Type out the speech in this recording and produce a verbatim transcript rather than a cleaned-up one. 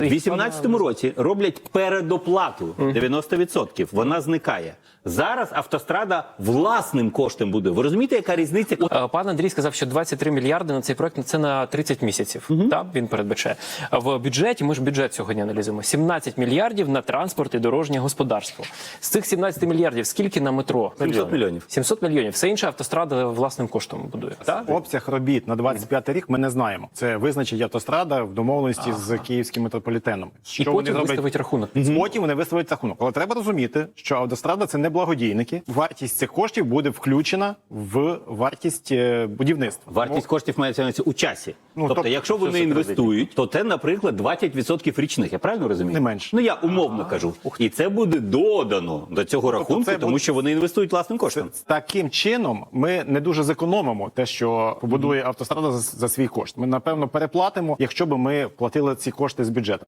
У вісімнадцятому році роблять передоплату дев'яносто відсотків, вона зникає. Зараз автострада власним коштом буде. Ви розумієте, яка різниця? Е, Пан Андрій сказав, що двадцять три мільярди на цей проект – це на тридцять місяців. Uh-huh. Так, він передбачає. В бюджеті, ми ж бюджет сьогодні аналізуємо, сімнадцять мільярдів на транспорт і дорожнє господарство. З цих сімнадцяти мільярдів скільки на метро? сімсот мільйонів. сімсот мільйонів. Все інше автострада власним коштом будує. Так? Обсяг робіт на двадцять п'ятий рік ми не знаємо. Це визначить автострада в домовленості ага. з київським метрополітеном. Що і потім вони виставить рахунок. Потім вони виставить рахунок. Але треба розуміти, що автострада – це не благодійники. Вартість цих коштів буде включена в вартість будівництва. Вартість коштів мається на увазі у часі. Ну, тобто, тобто, якщо вони інвестують, то це, наприклад, двадцять відсотків річних. Я правильно розумію? Не менше. Ну, я умовно а -а -а. кажу. І це буде додано до цього тобто, рахунку, тому буде... що вони інвестують власним коштом. Це, таким чином ми не дуже зекономимо те, що побудує автострада за, за свій кошт. Ми, напевно, переплатимо, якщо б ми платили ці кошти з бюджету.